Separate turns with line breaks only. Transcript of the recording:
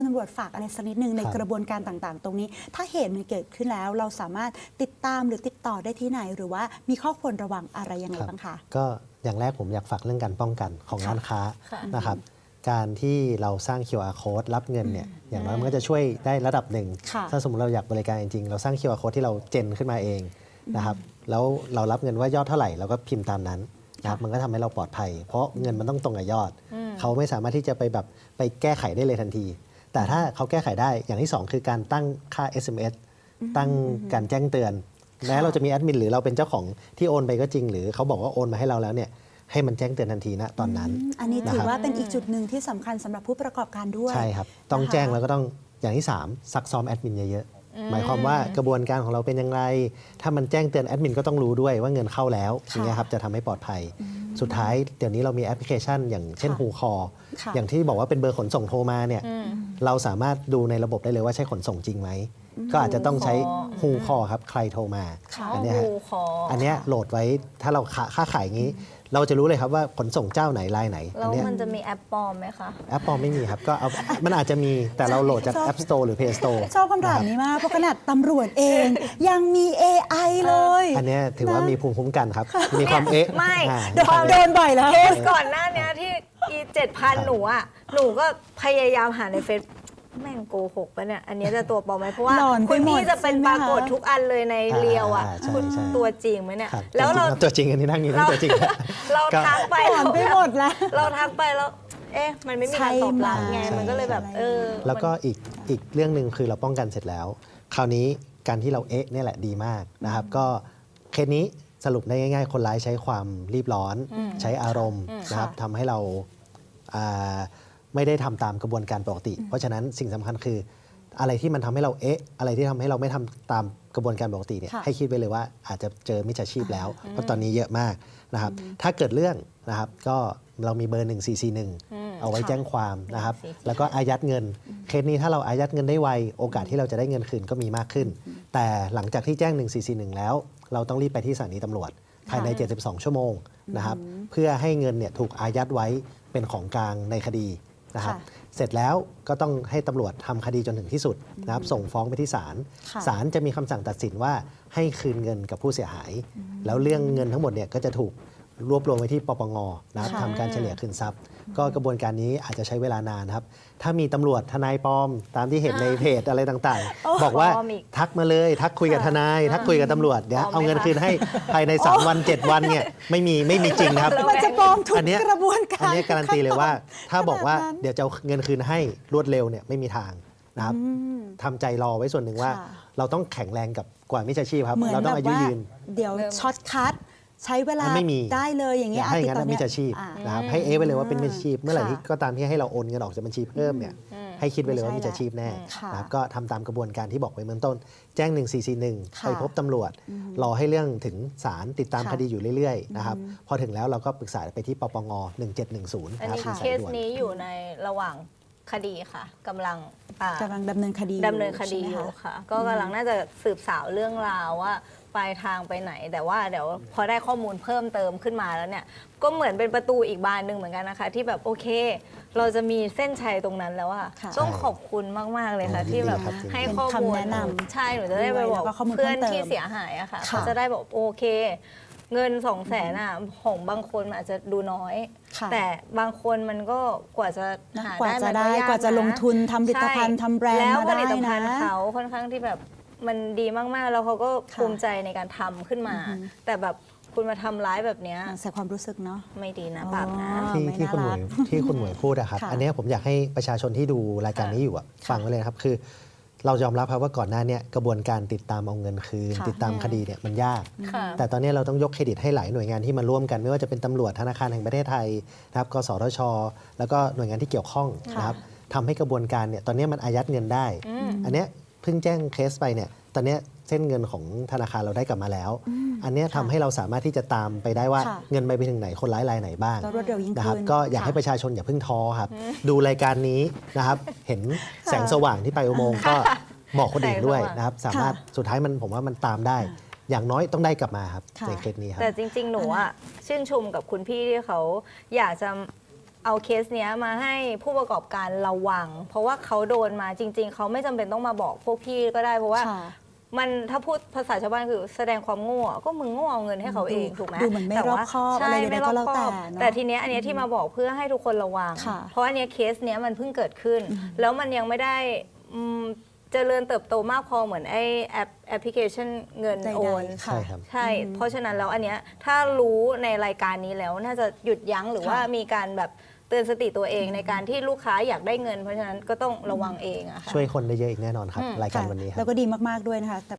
ตำรวจฝากอะไรสักนิดนึงในกระบวนการต่างๆ ตรงนี้ถ้าเหตุมันเกิดขึ้นแล้วเราสามารถติดตามหรือติดต่อได้ที่ไหนหรือว่ามีข้อควรระวังอะไรยังไงบ้างคะ
ก็อย่างแรกผมอยากฝากเรื่องการป้องกันของร้านค้านะครับการที่เราสร้าง QR code รับเงินเนี่ยอย่างน้อยมันก็จะช่วยได้ระดับหนึ่งถ้าสมมติเราอยากบริการจริงๆเราสร้าง QR code ที่เราเจนขึ้นมาเองนะครับแล้วเรารับเงินว่ายอดเท่าไหร่เราก็พิมพ์ตามนั้นนะครับมันก็ทำให้เราปลอดภัยเพราะเงินมันต้องตรงกับยอดเขาไม่สามารถที่จะไปแก้ไขได้เลยทันทีแต่ถ้าเขาแก้ไขได้อย่างที่2คือการตั้งค่า SMS ตั้งการแจ้งเตือนแม้เราจะมีแอดมินหรือเราเป็นเจ้าของที่โอนไปก็จริงหรือเขาบอกว่าโอนมาให้เราแล้วเนี่ยให้มันแจ้งเตือนทันทีนะตอนนั้น
อันนี้ถือว่าเป็นอีกจุดหนึ่งที่สำคัญสำหรับผู้ประกอบการด้วย
ใช่ครับต้องแจ้งแล้วก็ต้องอย่างที่3ซักซ้อมแอดมินเยอะๆหมายความว่ากระบวนการของเราเป็นยังไงถ้ามันแจ้งเตือนแอดมินก็ต้องรู้ด้วยว่าเงินเข้าแล้วอย่างนี้ครับจะทำให้ปลอดภัยสุดท้ายเดี๋ยวนี้เรามีแอปพลิเคชันอย่างเช่นฮูคออย่างที่บอกว่าเป็นเบอร์ขนส่งโทรมาเนี่ยเราสามารถดูในระบบได้เลยว่าใช่ขนส่งจริงไหมก็อาจจะต้องใช้ฮูคอครับใครโทรมาอันนี้โหลดไว้ถ้าเราค้าขายอย่างนี้เราจะรู้เลยครับว่าขนส่งเจ้าไหนรายไหน
แล้วมันจะมีแอปปลอมไหมคะ
แอปปลอมไม่มีครับก็เอามันอาจจะมีแต่เราโหลดจาก App Store หรือ Play Store
ชอบคำถามนี้มากเพราะขนาดตำรวจเองยังมี AI เลย
อันนี้ถือว่ามีภูมิคุ้มกันครับมีความ
ไม่
โดนบ่อยแล้ว
เคสก่อนหน้านี้ที่7,000หนูก็พยายามหาในเฟซแม่งโกหกปะเนี่ยอันนี้จะตัวปลอมไหมเพราะว่าคุณพี่จะเป็นปรากฏทุกอันเลยในเรียวอ่ะคุณตัวจริงไหมเนี่ย
แล้วเราตัวจริงอันนี้นั่งอยู่นั่งตัวจริง
เราทักไป
หมดแล้ว
เราทักไปแล้วมันไม่มีการตอบรับไงมันก็เลยแบบ
แล้วก็อีกเรื่องหนึ่งคือเราป้องกันเสร็จแล้วคราวนี้การที่เราเนี่ยแหละดีมากนะครับก็เคสนี้สรุปได้ง่ายๆคนร้ายใช้ความรีบร้อนใช้อารมณ์นะครับทำให้เราไม่ได้ทำตามกระบวนการปกติเพราะฉะนั้นสิ่งสำคัญคืออะไรที่มันทำให้เราอะไรที่ทำให้เราไม่ทำตามกระบวนการปกติเนี่ยให้คิดไว้เลยว่าอาจจะเจอมิจฉาชีพแล้วเพราะตอนนี้เยอะมากนะครับถ้าเกิดเรื่องนะครับก็เรามีเบอร์1441เอาไว้แจ้งความนะครับแล้วก็อายัดเงินเคสนี้ถ้าเราอายัดเงินได้ไวโอกาสที่เราจะได้เงินคืนก็มีมากขึ้นแต่หลังจากที่แจ้ง1441แล้วเราต้องรีบไปที่สถานีตำรวจภายใน72ชั่วโมงนะครับเพื่อให้เงินเนี่ยถูกอายัดไว้เป็นของกลางในคดีนะครับเสร็จแล้วก็ต้องให้ตำรวจทำคดีจนถึงที่สุดนะครับส่งฟ้องไปที่ศาลศาลจะมีคำสั่งตัดสินว่าให้คืนเงินกับผู้เสียหายแล้วเรื่องเงินทั้งหมดเนี่ยก็จะถูกรวบรวมไว้ที่ปปงนะครับทำการเฉลี่ยคืนทรัพย์ก็กระบวนการนี้อาจจะใช้เวลานานครับถ้ามีตำรวจทนายปลอมตามที่เห็นในเพจอะไรต่างๆบอกว่าทักมาเลยทักคุยกับทนายทักคุยกับตำรวจเดี๋ยวเอาเงินคืนให้ภายใน3วัน7วันเนี่ยไม่มีจริงนะครับ
มันจะปลอมทุกกระบวนการ
อันนี้การันตีเลยว่าถ้าบอกว่าเดี๋ยวจะเอาเงินคืนให้รวดเร็วเนี่ยไม่มีทางนะครับทำใจรอไว้ส่วนหนึ่งว่าเราต้องแข็งแรงกับกว่ามิจฉาชีพครับเราต้องอายุยืน
เดี๋ยวช็อตคัทใช้เวลาได้เลยอย่างเงี้ย
ให้งั้นมิจฉาชีพนะครับให้ไว้เลยว่าเป็นมิจฉาชีพเมื่อไหร่ที่ก็ตามที่ให้เราโอนเงินออกจากบัญชีเพิ่มเนี่ยให้คิดไว้เลยว่ามิจฉาชีพแน่นะครับก็ทำตามกระบวนการที่บอกไว้เบื้องต้นแจ้ง1441ไปพบตำรวจรอให้เรื่องถึงศาลติดตามคดีอยู่เรื่อยๆนะครับพอถึงแล้วเราก็ปรึกษาไปที่ปปง1710
นะครับเคสนี้อยู่ในระหว่างคดีค่ะกำลัง
ดำเนินคดี
อยู่ค่ะก็กำลังน่าจะสืบสาวเรื่องราวว่าปลายทางไปไหนแต่ว่าเดี๋ยวพอได้ข้อมูลเพิ่มเติมขึ้นมาแล้วเนี่ยก็เหมือนเป็นประตูอีกบานหนึ่งเหมือนกันนะคะที่แบบโอเคเราจะมีเส้นชัยตรงนั้นแล้วอะต้องขอบคุณมากๆเลยค่ะที่แบบให้ข้อมูล
แนะนำ
ใช่หนูจะได้ไปบอกเพื่อนที่เสียหายอะค่ะเขาจะได้บอกโอเคเงิน200,000อะของบางคนอาจจะดูน้อยแต่บางคนมันก็กว่าจะหาได้
กว่าจะลงทุนทำผลิตภัณฑ์ทำแบรนด์
แล้วผลิตภัณฑ์เขาค่อนข้างที่แบบมันดีมากๆแล้วเขาก็ภูมิใจในการทำขึ้นมาแต่แบบคุณมาทำร้ายแบบนี้
เสียความรู้สึกเนาะ
ไม่ดีนะปากนะ
ที่คุณหมวยพูดอะครับอันนี้ผมอยากให้ประชาชนที่ดูรายการนี้อยู่ฟังไว้เลยครับคือเรายอมรับครับว่าก่อนหน้านี้กระบวนการติดตามเอาเงินคืนติดตามคดีเนี่ยมันยากแต่ตอนนี้เราต้องยกเครดิตให้หลายหน่วยงานที่มาร่วมกันไม่ว่าจะเป็นตำรวจธนาคารแห่งประเทศไทยนะครับกสทช.แล้วก็หน่วยงานที่เกี่ยวข้องนะครับทำให้กระบวนการเนี่ยตอนนี้มันอายัดเงินได้อันนี้เพิ่งแจ้งเคสไปเนี่ยตอนนี้เส้นเงินของธนาคารเราได้กลับมาแล้วอันนี้ทำให้เราสามารถที่จะตามไปได้ว่าเงินไปถึงไหนคนร้ายรายไหนบ้างนะครับก็อยากให้ประชาชนอย่าเพิ่งท้อครับดูรายการนี้นะครับเห็นแสงสว่างที่ไปอุโมงค์ก็บอกคนอื่นด้วยนะครับสามารถสุดท้ายผมว่ามันตามได้อย่างน้อยต้องได้กลับมาครับในเคสนี้ครับ
แต่จริงๆหนูอะชื่นชมกับคุณพี่ที่เขาอยากจะเอาเคสเนี้ยมาให้ผู้ประกอบการระวัง เพราะว่าเขาโดนมาจริง ๆเขาไม่จำเป็นต้องมาบอกพวกพี่ก็ได้เพราะว่า
ค่ะ
มันถ้าพูดภาษาชาวบ้านคือแสดงความโง่ก็มึงโง่เอาเงินให้เขาเองถูกไหม
ดูเหมือนไม่รอบคอบ
ใช่
อะไรใดๆ
ไม่รอบ
ก็แล้ว
ค
แต่
อบ
เนอะ
แต่ทีเนี้ยอันเนี้ยที่มาบอกเพื่อให้ทุกคนระวัง
ค่ะ
เพราะอันเนี้ยเคสเนี้ยมันเพิ่งเกิดขึ้น แล้วมันยังไม่ได้เจริญเติบโตมากพอเหมือนไอ้แอปพลิเคชันเงิน
ใดๆ
โอน
ค่ะ
ใช่ครับ
ใช่ เพราะฉะนั้นแล้วอันเนี้ยถ้ารู้ในรายการนี้แล้วน่าจะหยุดยั้งหรือว่ามีการแบบเตือนสติตัวเองในการที่ลูกค้าอยากได้เงิน เพราะฉะนั้นก็ต้องระวังเองอะค่ะ
ช่วยคนได้เยอะอีกแน่นอนครับ รายการ
ค่ะ
วันนี้ครับ
แล้วก็ดีมาก ๆ ด้วยนะคะ